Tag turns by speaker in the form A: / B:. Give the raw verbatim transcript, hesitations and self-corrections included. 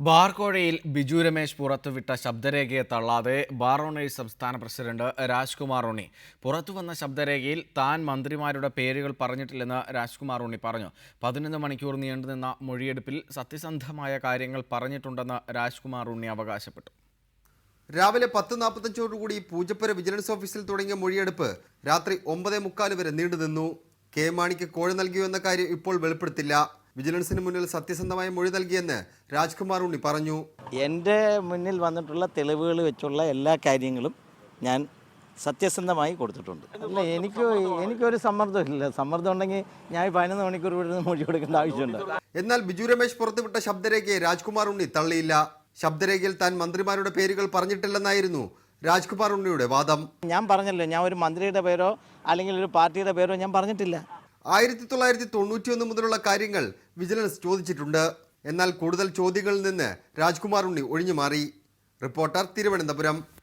A: ബാർക്കോഴയിൽ ബിജു രമേശ് പുറത്തുവിട്ട ശബ്ദരേഖയെ തള്ളാതെ ബാർ ഓണേഴ്സ് സംസ്ഥാന പ്രസിഡന്റ് രാജ്കുമാർ ഉണ്ണി പുറത്തുവന്ന ശബ്ദരേഖയിൽ താൻ മന്ത്രിമാരുടെ പേരുകൾ പറഞ്ഞിട്ടില്ലെന്ന് രാജ്കുമാർ ഉണ്ണി പറഞ്ഞു. പതിനൊന്ന് മണിക്കൂർ നീണ്ടുനിന്ന മൊഴിയെടുപ്പിൽ സത്യസന്ധമായ കാര്യങ്ങൾ പറഞ്ഞിട്ടുണ്ടെന്ന് രാജ്കുമാർ ഉണ്ണി അവകാശപ്പെട്ടു.
B: രാവിലെ പത്ത് നാൽപ്പത്തഞ്ചോടുകൂടി പൂജപ്പുര വിജിലൻസ് ഓഫീസിൽ തുടങ്ങിയ മൊഴിയെടുപ്പ് രാത്രി ഒമ്പതേ മുക്കാല് വരെ നീണ്ടുനിന്നു. കെ മാണിക്ക് കോഴ നൽകിയോ എന്ന കാര്യം ഇപ്പോൾ വെളിപ്പെടുത്തില്ല. വിജിലൻസിന് മുന്നിൽ സത്യസന്ധമായ മൊഴി നൽകിയെന്ന് രാജ്കുമാർ ഉണ്ണി പറഞ്ഞു.
C: എൻ്റെ മുന്നിൽ വന്നിട്ടുള്ള തെളിവുകൾ വെച്ചുള്ള എല്ലാ കാര്യങ്ങളും ഞാൻ സത്യസന്ധമായി കൊടുത്തിട്ടുണ്ട്. അല്ല, എനിക്ക് എനിക്കൊരു സമ്മർദ്ദമില്ല. സമ്മർദ്ദം ഉണ്ടെങ്കിൽ ഞാൻ പതിനൊന്ന് മണിക്കൂർ ഇവിടെ നിന്ന് മൊഴി കൊടുക്കേണ്ട ആവശ്യമുണ്ട്.
B: എന്നാൽ ബിജു രമേശ് പുറത്തുവിട്ട ശബ്ദരേഖയെ രാജ്കുമാർ ഉണ്ണി തള്ളിയില്ല. ശബ്ദരേഖയിൽ താൻ മന്ത്രിമാരുടെ പേരുകൾ പറഞ്ഞിട്ടില്ലെന്നായിരുന്നു രാജ്കുമാർ ഉണ്ണിയുടെ വാദം.
C: ഞാൻ പറഞ്ഞല്ലോ, ഞാൻ ഒരു മന്ത്രിയുടെ പേരോ അല്ലെങ്കിൽ ഒരു പാർട്ടിയുടെ പേരോ ഞാൻ പറഞ്ഞിട്ടില്ല.
B: ആയിരത്തി തൊള്ളായിരത്തി തൊണ്ണൂറ്റി ഒന്ന് മുതലുള്ള കാര്യങ്ങൾ വിജിലൻസ് ചോദിച്ചിട്ടുണ്ട്. എന്നാൽ കൂടുതൽ ചോദ്യങ്ങളിൽ നിന്ന് രാജ്കുമാർ ഉണ്ണി ഒഴിഞ്ഞു മാറി. റിപ്പോർട്ടർ, തിരുവനന്തപുരം.